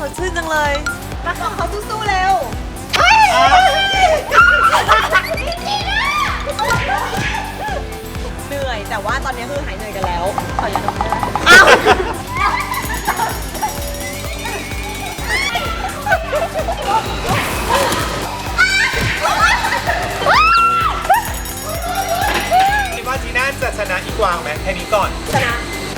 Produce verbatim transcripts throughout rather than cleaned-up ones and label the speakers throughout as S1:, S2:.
S1: ดชื่นจังเลยรักของเขาสู้ๆเร็วเหนื่อยแต่ว่าตอนนี้คือหายเหนื่อยกันแล้วขอยาดมได้อ้าว
S2: คิดว่าจีน่าจะชนะอีกวางไหมแค่นี้ก่อน
S1: ชนะ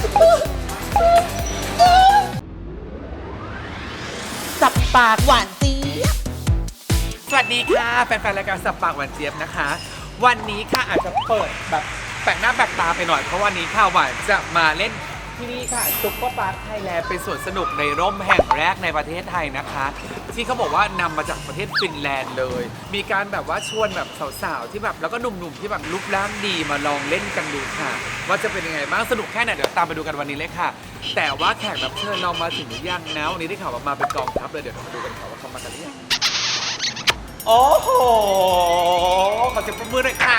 S1: สับปากหวานเจี๊ยบ
S2: สวัสดีค่ะแฟนๆรายการสับปากหวานเจี๊ยบนะคะ วันนี้ค่ะอาจจะเปิดแบบแปลกหน้าแปลกตาไปหน่อยเพราะวันนี้ค่ะหวานจะมาเล่นที่นี่ค่ะซุปเปอร์พาร์คไทยแลนด์เป็นสวนสนุกในร่มแห่งแรกในประเทศไทยนะคะที่เขาบอกว่านำมาจากประเทศฟินแลนด์เลย มีการแบบว่าชวนแบบสาวๆที่แบบแล้วก็หนุ่มๆที่แบบรูปร่างดีมาลองเล่นกันดูค่ะว่าจะเป็นยังไงบ้างสนุกแค่ไหนเดี๋ยวตามไปดูกันวันนี้เลยค่ะแต่ว่าแขกรับเชิญเรามาถึงหรือยังนะวันนี้ได้ข่าวว่ามาเป็นกองทัพเลยเดี๋ยวเรามาดูกันค่ะว่าเขามากันหรือยังโอ้โหขอเสียงปรบมือหน่อยค่ะ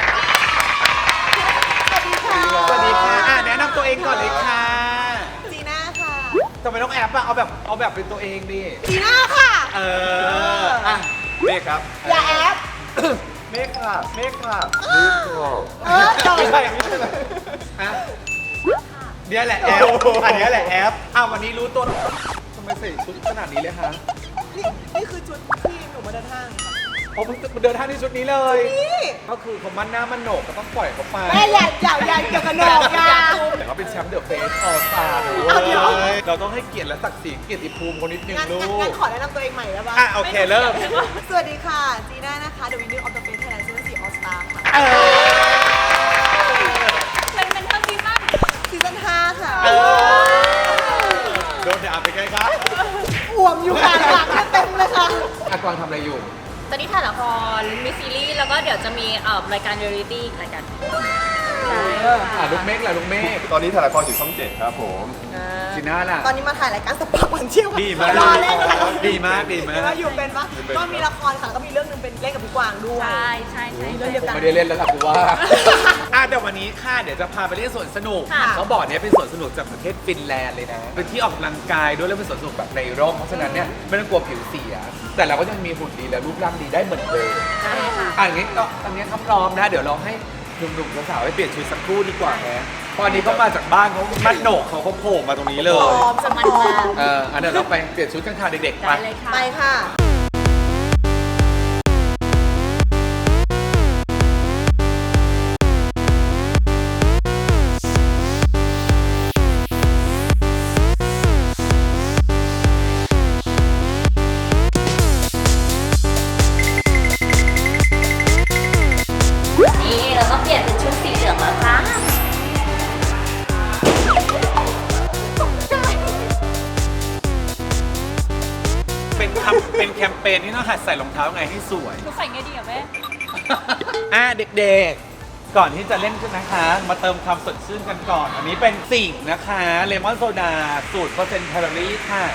S2: สวัสดีค่ะอ่ะแนะนำตัวเองก่อนเลยค่ะ
S1: จีน่าค่ะ
S2: ทำไมต้องแอบอ่ะเอาแบบเอาแบบเป็นตัวเองดิ
S1: จีน่าค่ะ
S2: เอออ่ะเมฆครับ
S1: อย่าแอบ
S2: เมฆค่ะเมฆค่ะเมฆค่ะ
S1: เออจบ
S2: ไม่ใช่ไม่ใช่ฮะเดี๋ยวแหละแอบอันนี้แหละแอบอ้าววันนี้รู้ตัวทำไมใส่ชุดขนาดนี้เลยฮะ
S1: นี่นี่คือชุดที่หนูมาเดินห้างค่ะ
S2: โอ้เพิ่งเดินทางที่ชุดนี้เลย
S1: นี่
S2: ก็คือเขามั่นหน้ามั่นโหนกก็ต้องปล่อยเขาไป
S1: แม่อย่าอย่าอย่าเกี่ยวกับโหนกอย่า
S2: แต่เขาเป็นแชมป์เดอะเฟสออลสตาร์เราต้องให้เกียรติและศักดิ์ศรีเกียรติภูมิคนนิดนึงลูก
S1: งั้นขอแนะนำตัวเองใหม่ได้ปะ
S2: อ่ะโอเคเริ่ม
S1: สวัสดีค่ะจีน่านะคะ The Winner of the Face Thailand Season สี่ All Star ค่ะ
S3: เป็นเป็นเท่าที่มั่ง
S1: ซีซั่นห้าค่ะ
S2: โดนด่าไปไงครับ
S1: อ่วมอยู่ค่ะหลังเต็มเลยค่ะ
S2: อากวางทำอะไรอยู่
S3: ตอนนี้ถ่ายละครมีซีรีส์แล้วก็เดี๋ยวจะมีเอ่อรายการเรียลลิตี้รายการใช่
S2: อ่ะลูกเมฆแหละลูกเมฆ
S4: ตอนนี้ถ่ายละครอยู่ช่องเจ็ดครับผม
S2: จีน่าล่ะ
S1: ตอนนี้มาถ่ายรายการสปาร์ควันเชี่ยว
S2: ดีมากดีมากดีมาก
S1: อยู่เป็นปะก็มีละครค่ะก็มีเรื่องนึงเป็นเล่นกับพี่กวางด้วย
S3: ใช่ใช่ใช่
S1: เรื่องเดียวกัน
S2: ไม่ได้เล่นแล้วล่ะกูว่าอ่ะเดี๋ยววันนี้ค่ะเดี๋ยวจะพาไปเล่นสวนสนุกเขาบอกเนี้ยเป็นสวนสนุกจากประเทศฟินแลนด์เลยนะเป็นที่ออกกำลังกายด้วยแล้วเป็นสวนสนุกแบบในร่มเพราะฉะนั้นเนี่ยไม่ต้องกลัวผิวเสียแต่เราก็ยังมีหุ่นดีและรูปร่างดีได้เหมือนเดิม
S3: ใช่ค่ะ
S2: อ่ะอย่างนี้ก็ตอนนี้เขาพร้อมนะเดี๋ยวเราให้หนุ่มๆสาวๆไปเปลี่ยนชุดสักครู่ดีกว่าแฮะพออันนี้เขามาจากบ้านเขามัดโหนกเขาเขาโผล่มาตรงนี้เลย
S1: พร้อมจะมันมา
S2: เอออันเดี๋ยวเราไปเปลี่ยนชุดกันค่ะเด็กๆไป
S1: ไปค่ะ
S3: นี่เราก็เปลี่ยนเป็นชุดสีเหลืองแล้วค่ะ
S2: เป็นคำเป็นแคมเปญที่ต้องหัดใส่รองเท้าไงให้สวย
S3: หนูใส่ไงดีอะแม่
S2: อ่ะเด็กๆก่อนที่จะเล่นกันนะคะ มาเติมความสดชื่นกันก่อน อันนี้เป็นสิ่งนะคะเลมอนโซดาสูตรเปอร์เซ็นต์แคลอรี่ค่ะ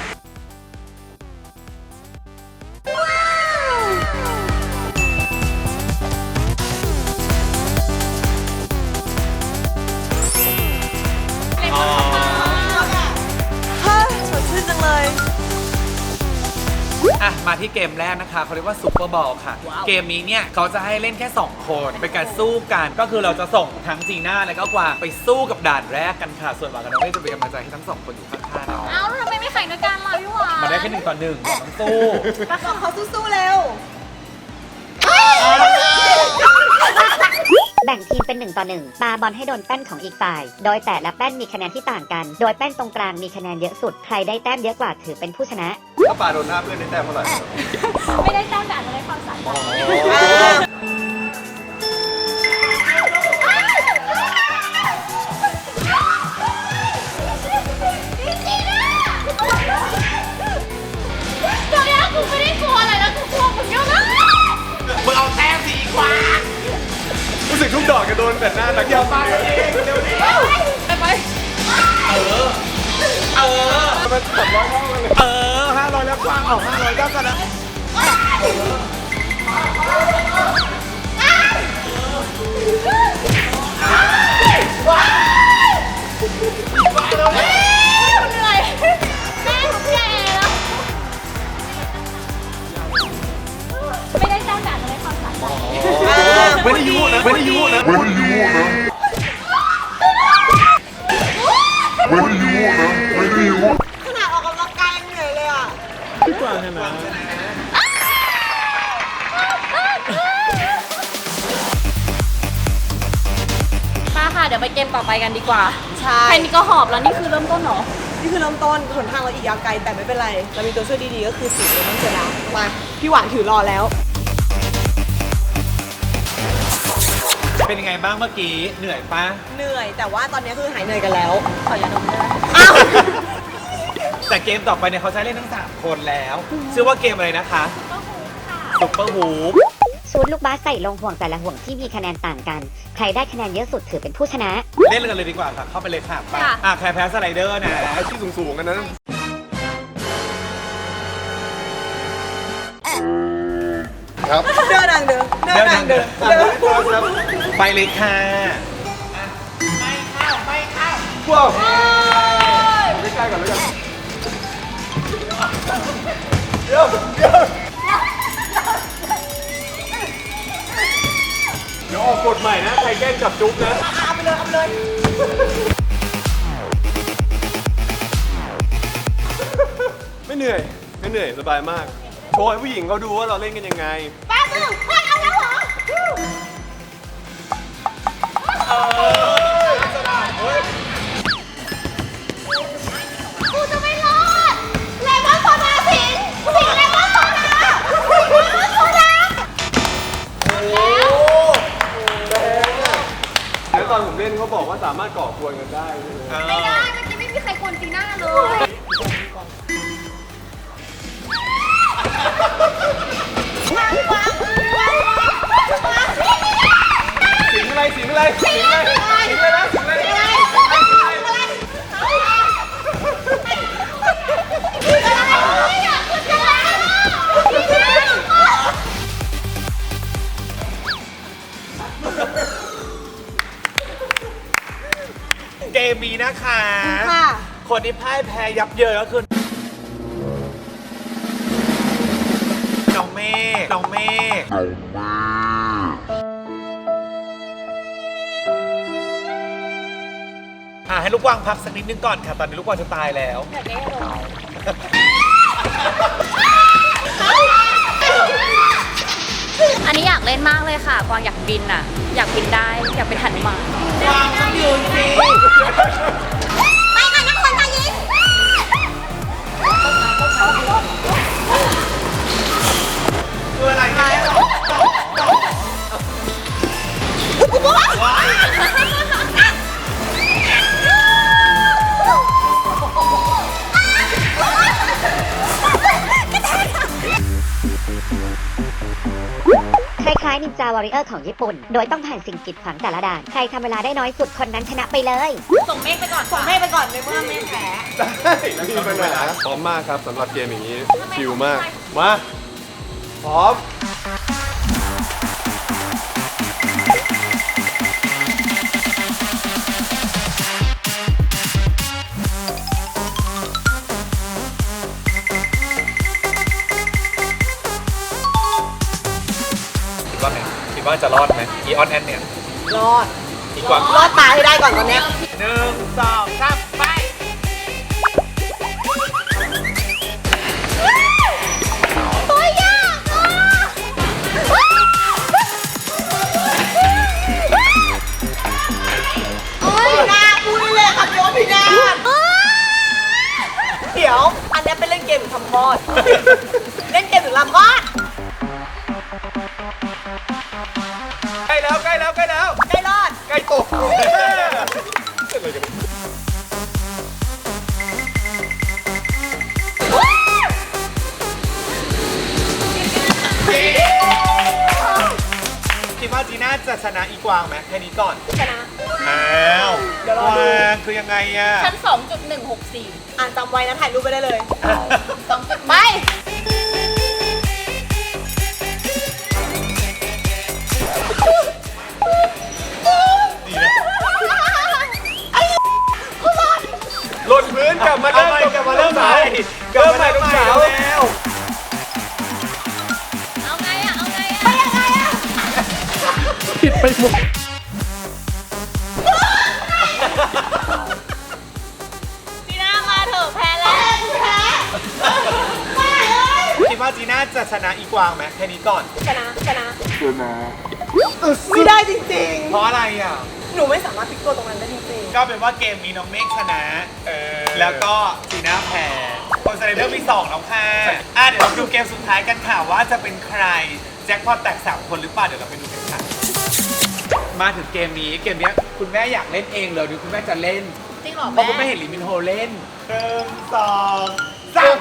S2: อ่ะมาที่เกมแรกนะคะเขาเรียกว่าซุปเปอร์บอลค่ะ wow. เกมนี้เนี่ยเขาจะให้เล่นแค่สองคนเป็นการสู้กันก็คือเราจะส่งทั้งจีน่าและก็กวางไปสู้กับด่านแรกกันค่ะส่วนหวานกับน้องเมฆจะเป็นกำลังใจให้ทั้งสองคนอยู่ข้างๆเรา
S3: เอ้าทำไมไม่แข่งด้วยกันล่ะพี่หวาน
S2: มาได้แค่หนึ่งต่อหนึ่งต้องสู้
S1: รักของเขาสู้ๆเร็ว
S5: แบ่งทีมเป็นหนึ่งต่อหนึ่งปาบอลให้โดนแป้นของอีกฝ่ายโดยแต่ละแป้นมีคะแนนที่ต่างกันโดยแป้นตรงกลางมีคะแนนเยอะสุดใครได้แต้มเยอะกว่าถือเป็นผู้ชนะ
S4: ถ้าปาโดนหน้าเพื่อนได้แต้มเท่าไหร่
S3: ไม่ได้แต้มแต่อาจจะได้ความสามารถตัวนี้กูไม่ได้กลัวอะไรนะกูกลัวมึงเยอะมาก
S2: มึงเอาแต้มสีกว่า
S4: รู้สึกทุกดอกจะโดนแต่หน้านักเกี่ยวมาเองเร็วดิ
S3: ไปไป
S2: เออเออ
S4: มันสามร้อยเท่ากันเลย
S2: เออห้าร้อยแล้วกว้างออกห้าร้อยเท่ากันนะ
S3: ว้าวเหนื่อยแม่แก่แล้ว
S4: ไม่ได้ยุนะไม่ได้ยุนะไม่ได้ยุนะไม่ได้ยุนะไม่ได้ยุ
S1: ขนาดออกกำลังกายยังเหนื่อยเลยอ่ะ
S4: พี่กวางชนะ
S3: มาค่ะเดี๋ยวไปเกมต่อไปกันดีกว่า
S1: ใช่
S3: แค่นี้ก็หอบแล้วนี่คือเริ่มต้นเหรอ
S1: นี่คือเริ่มต้นหนทางเราอีกยาวไกลแต่ไม่เป็นไร เรามีตัวช่วยดีๆก็คือสีเลมอนเจลามาพี่หวานถือรอแล้ว
S2: เป็นยังไงบ้างเมื่อกี้เหนื่อยปะ
S1: เหนื่อยแต่ว่าตอนนี้คือหายเหนื่อยกันแล้ว
S3: ขอยาดมได้ไหม
S1: อ้าว
S2: แต่เกมต่อไปเนี่ยเขาใช้เล่นทั้งสามคนแล้วชื่อว่าเกมอะไรนะคะซุปเปอร์ฮูป
S5: ชูดลูกบาสใส่ลงห่วงแต่ละห่วงที่มีคะแนนต่างกัน ใครได้คะแนนเยอะสุดถือเป็นผู้ชนะ
S2: เล่นกันเลยดีกว่าค่ะเข้าไปเลยค่ะไป
S3: ค่ะ
S2: อ่ะใครแพ้สไลเดอร์นะ
S4: ไอ้ที่สูงๆกันนะ ครับ
S1: เดินดังเดินเดินดังเดินเดิน
S2: ไปเลยค่ะ
S4: พวกใกล้ๆก่อนแล้วกันเดี๋ยวเดี๋ยวเดี๋ยวออกกฎใหม่นะ ใครแกล้งจับจุ๊บนะ
S1: เอาไปเลยเอาไปเลย
S4: ไม่เหนื่อย ไม่เหนื่อย สบายมาก โชว์ให้ผู้หญิงเขาดูว่าเราเล่นกันยังไง
S1: แป๊บนึงไม่เอาแล้วเหรอ
S6: กูจะไม่รอดเลมอนโซดาสิงสิงเลมอนโซดาสิงเลมอนโซดา
S4: แล้วตอนผมเล่นเขาบอกว่าสามารถก่อกวนกันได้ใช่ไหม
S6: ไม่ได้เมื่อกี้ไม่มีใครกวนจีน่าเลย
S4: สิงอะไรสิงอะไรสิงอะไรสิงอะไรนะสิงอะไรนะ
S2: เกมนี้นะคะ
S1: ค่ะ
S2: คนที่พ่ายแพ้ยับเยินก็คือน้องเมฆน้องเมฆอ่ะให้ลูกกวางพักสักนิดนึงก่อนค่ะ ตอนนี้ลูกกวางจะตายแล้ว
S3: อยากได้อารมณ์อันนี้อยากเล่นมากเลยค่ะ กวางอยากบินอ่ะ อยากบินได้ อยากเป็นหันุมาน
S2: กวางต้องยืนสิ
S6: ไปกันนะคนไทยยิง
S2: คืออะไรเนี่ยว้าย
S5: คล้ายๆนินจาวอริเออร์ของญี่ปุ่น โดยต้องผ่านสิ่งกีดขวางแต่ละด่าน ใครทำเวลาได้น้อยสุดคนนั้นชนะไปเลย
S3: ส่งเมฆไปก่อน
S1: ส่งแม่ไปก่อนในเมื่อแม่แพ้
S4: ได้ไม่มีปัญหาพร้อมมากครับสำหรับเกมอย่างนี้ ชิลมาก มา พร้อม
S2: คิดว่าไงคิดว่าจะรอดไหมอีออนแอนเนี่ย
S1: รอด
S2: อีกวาง
S1: รอดตายให้ได้ก่อนตอนเนี้ย
S2: หนึ่งสองสามไป
S6: ตัวยากอ่ะ
S1: โอ้ยนาพูดได้เลยค่ะพี่โอพี่นาเดี๋ยว อันเนี้ยเป็นเล่นเกมหรือทำคลอด เล่นเกมหรือลำคลอด
S2: ใกล้แล้วใกล้แล้วใกล้แล้ว
S1: ใกล้รอด
S2: ใกล้ตก คิดว่าจีน่าจะชนะอีกวางไหมแค่นี้ก่อน
S1: ชนะ
S2: อ้าว
S1: เดี๋ยวรอดู
S2: วางคือยังไงอะ
S3: ชั้น สองจุดหนึ่งหกสี่
S1: อ่านจำไว้นะถ่ายรูปไปได้เลย
S3: สองจุด
S1: ไป
S2: ดีนะ
S4: หล่นพื้นกลับมา
S2: เอา
S4: เริ่ม
S2: ใหม่กลับมาเริ่มใหม่
S4: เริ่มใหม่ลูกสาว
S2: แล้ว
S3: เอาไงอ่ะ เอาไงอ่ะ
S6: ไปยังไงอ่ะ
S4: ผิ
S2: จีน่าจะชนะอีกวางไหมแค่นี้ก่อน
S1: ชนะชนะชนะไม่ได้จริง
S2: เพราะอะไรอ่ะ
S1: ๆ หนูไม่สามารถพลิกตัวตรงนั้นได้จริง
S2: ก็เป็นว่าเกมนี้น้องเมฆชนะ แล้วก็จีน่าแพ้คนสไลเดอร์มีสองแล้วค่ะอ่ะเดี๋ยวเราดูเกมสุดท้ายกันค่ะว่าจะเป็นใครแจ็คพอตแตกสามคนหรือเปล่าเดี๋ยวเราไปดูกันค่ะ มาถึงเกมนี้เกมนี้คุณแม่อยากเล่นเองเลยหรือคุณแม่จะเล่น
S3: จริงเหรอ
S2: เพราะ
S3: แม่
S2: คุณแม่เห็นลิมินโฮเล่นหนึ่งสองสาม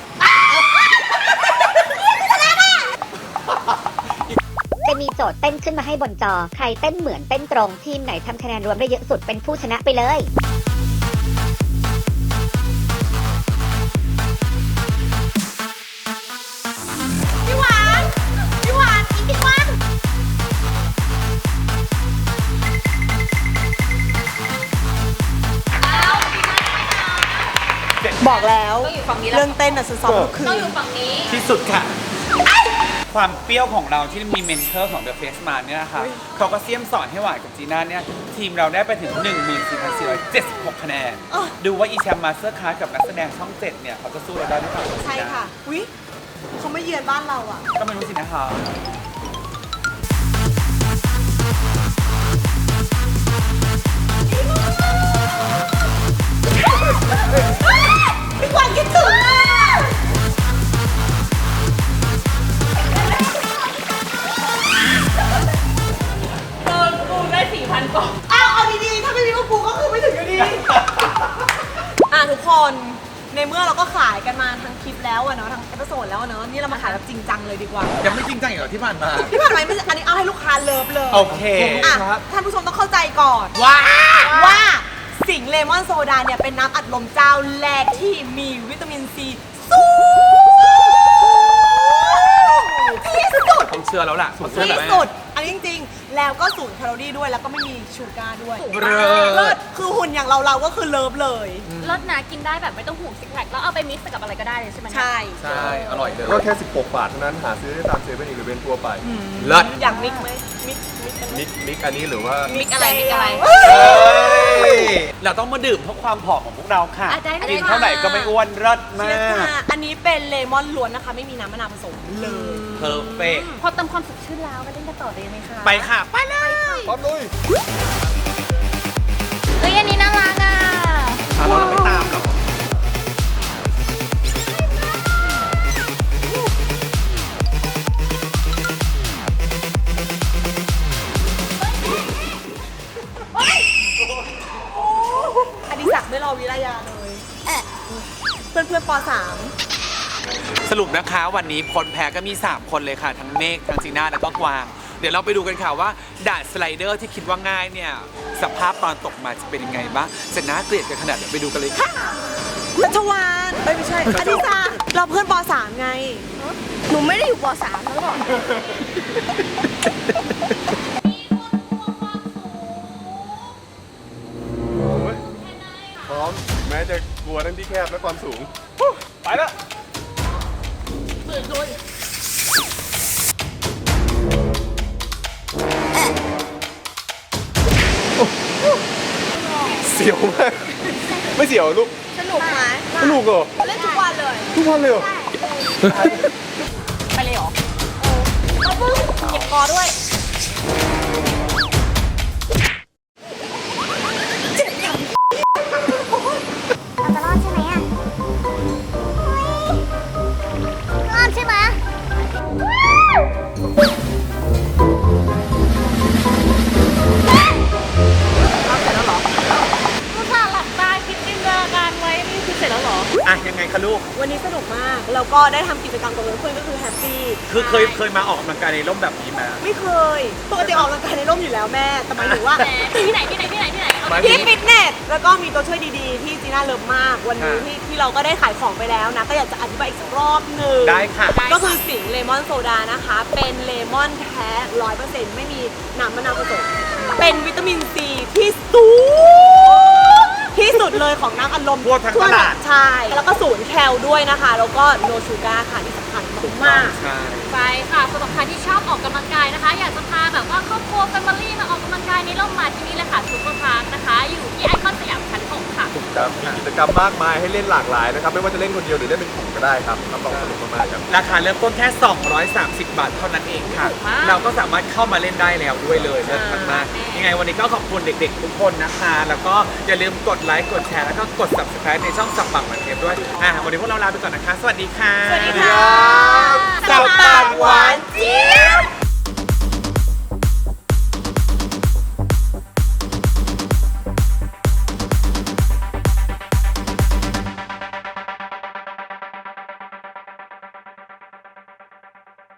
S5: จะมีโจทย์เต้นขึ้นมาให้บนจอ ใครเต้นเหมือนเต้นตรง ทีมไหนทำคะแนนรวมได้เยอะสุดเป็นผู้ชนะไปเลย
S6: พี่หวานพี่หวานอีกพี่หวาน
S1: บอกแล้ว
S3: ต้องอยู่ฝั่งนี้แล้ว
S1: เรื่องเต้นน่ะฉันซ้อมทุกคื
S3: ต้อง
S1: น
S3: อยู่ฝั่งนี้
S2: ที่สุดค่ะ ความเปรี้ยวของเราที่มีเมนเทอร์ของ The Face Man เนี่ยนะคะเขาก็เสียมสอนให้หวานกับจีน่าเนี่ยทีมเราได้ไปถึง หนึ่งหมื่นสี่พันสี่ร้อยเจ็ดสิบหก คะแนน
S1: อ่ะ
S2: ดูว่าอีแชมป์มาสเตอร์คลาสกับนักแสดงช่องเจ็ดเนี่ยเขาจะสู้เราได้หรือเปล่า
S1: ใช่ค่ะวิเขาไม่เยือนบ้านเราอ่ะ
S2: ก็ไม่รู้สินะคะ
S1: พี่กวางคิดถึงอ่ะ
S3: เออกูได้สี่พันกล่อง
S1: อ้าวเอาดีๆ ถ้าไม่มีพวกกูก็คือไม่ถึงอยู่ดี อ่ะทุกคน ในเมื่อเราก็ขายกันมาทั้งคลิปแล้วอะเนาะทั้งเอพิโซดแล้วอะเนาะนี่เรามาขายแบบจริงจังเลยดีกว่า
S2: ยังไม่จริงจังอย่างที่ผ่านมา
S1: ที่ผ่านมาไม่ใช่อันนี้เอาให้ลูกค้าเลิฟเลย
S2: โอเค
S1: อ่ะท่านผู้ชมต้องเข้าใจก่อน
S2: ว้า
S1: ว่าสิงห์เลมอนโซดาเนี่ยเป็นน้ำอัดลมเจ้าแรกที่มีวิตามินซีสูงที่สุด
S2: ต้องเชื่อแล้วล่ะสุด
S1: ที่สุด อันนี้จริงๆ แล้วก็ศูนย์แคลอรี่ด้วยแล้วก็ไม่มีชูการ์ด้วย
S2: เลิศ
S1: เลิศคือหุ่นอย่างเราเราก็คือเลิฟเลย
S3: รสนะกินได้แบบไม่ต้องห่วงซิกแพคแล้วเอาไปมิกซ์กับอะไรก็ได้เลยใช่ไหม
S1: ใช่
S2: ใช่อร่อยเลย
S4: ก็แค่ สิบหก บาทเท่านั้นหาซื้อได้ตามเซเว่นอีเลฟเว่นทั่วไป
S2: เลิศ
S1: อยากมิกไหมมิกมิกกันไหม
S4: มิกมิกอันนี้หรือว่า
S3: มิกอะไรมิกอะไร
S2: เฮ้ยเราต้องมาดื่มเพราะความผอมของพวกเราค่ะ
S3: อ่ะได้ได้
S2: กินเท่าไหร่ก็ไม่อ้วนเลิศมา
S1: เชียร์
S2: ก
S1: ค่ะอันนี้เป็นเลมอนล้วนนะคะ ไม่มีน้ำมะนาวผสมเลย
S2: เพอร์เฟก
S3: พอเติมความสดชื่นแล้วก็เล่นกันต่อเลยไหมคะ
S2: ไปค่ะ ไปเลย
S4: พร้อมลุย
S3: เฮ้ยอันนี้น่ารักอ่ะ
S2: เราเราไม่ตามหรอก
S1: อดิศักดิ์ไม่รอวิรยาเลยเพื่อนเพื่อนๆป .สาม
S2: สรุปนะคะวันนี้คนแพ้ก็มี สาม คนเลยค่ะ ทั้งเมฆทั้งจีน่าแล้วก็กวาง เดี๋ยวเราไปดูกันค่ะว่าด่านสไลเดอร์ที่คิดว่าง่ายเนี่ย สภาพตอนตกมาจะเป็นยังไงบ้างจะน่าเกลียดกันขนาดไหนไปดูกันเลยค่ะ
S1: รัชวานเอ้ยไม่ใช่อดิศักดิ์เราเพื่อนป .สาม ไง
S6: หนูไม่ได้อยู่ป .สาม แล้วหรอ
S4: พร้อม แม้จะกลัวทั้งที่แคบและความสูง ไปละ เสียวมาก ไม่เสียวลูก
S6: สนุกไหม
S4: สนุกเหรอ
S6: เล่นทุกวันเลย
S4: ทุกวันเลยเหรอ
S3: ไปเลยเหรอ
S1: เก็บคอด้วย
S6: เราจะรอดใช่ไหมอ่ะรอดใช่ไหม
S3: ลูกค้าหลับตาคิดจินตนาการไว้นี่คือเสร็จแล้วเหรอ
S2: อ่ะยังไงคะลูก
S1: วันนี้สนุกมาก แล้วก็ได้ทำกิจกรรมกับเพื่อนๆก็คือแฮปปี้
S2: คือเคยเคยมาออกกำลังกายในร่มแบบนี้ไหม
S1: ไม่เคย ปกติออกกำลังกายในร่มอยู่แล้วแม่ แต่หมายถึงว่า
S3: แหมที่ไหนที่ไหนที่ไหนที่ไหนเอา
S2: ไม่
S1: ที่ฟิตเนส แล้วก็มีตัวช่วยดีๆ ที่จีน่าเลิฟมาก วันนี้
S2: ค่ะ
S1: ที่ที่เราก็ได้ขายของไปแล้วนะ ก็อยากจะอธิบายอีกสักรอบหนึ่ง
S2: ได้ค่ะ
S1: ก็คือสิงห์เลมอนโซดานะคะ เป็นเลมอนแท้ร้อยเปอร์เซ็นต์ไม่มีน้ำมะนาวผสม เป็นวิตามินซีที่สูงที่สุดเลยของน้ำอัดลม
S2: ทั่วทั้งตลาด
S1: ใช่ แล้วก็ศูนย์แคลด้วยนะคะ แล้วก็โนชูการ์ค่ะที่สำคัญมาก
S2: ใช่
S3: ไปค่ะสำหรับใครที่ชอบออกกำลังกายนะคะ อยากจะพาแบบว่าครอบครัวแฟมิลี่มาออกกำลังกายในร่มมาที่นี่เลยค่ะซุปเปอร์พาร์คนะคะ อยู่ที่ไอคอนสยามชั้นหกค่ะ
S4: ครับมีกิจกรรมมากมายให้เล่นหลากหลายนะครับไม่ว่าจะเล่นคนเดียวหรือเล่นเป็นกลุ่มก็ได้ครับรับรองสนุกมากๆครับ
S2: ราคาเริ่มต้นแค่ สองร้อยสามสิบ บาทเท่านั้นเองค่ะ เราก็สามารถเข้ามาเล่นได้แล้วด้วยเลยเลิศมากๆยังไงวันนี้ก็ขอบคุณเด็กๆทุกคนนะคะ แล้วก็อย่าลืมกดไลค์กดแชร์แล้วก็กด ซับสไครบ์ ในช่องสับปากหวานเจี๊ยบด้วยอ่ะวันนี้พวกเราลาไปก่อนนะคะ สวัสดีค่ะ
S1: สวัสดีค่ะ
S2: สับปากหวาน
S1: เจี๊ยบ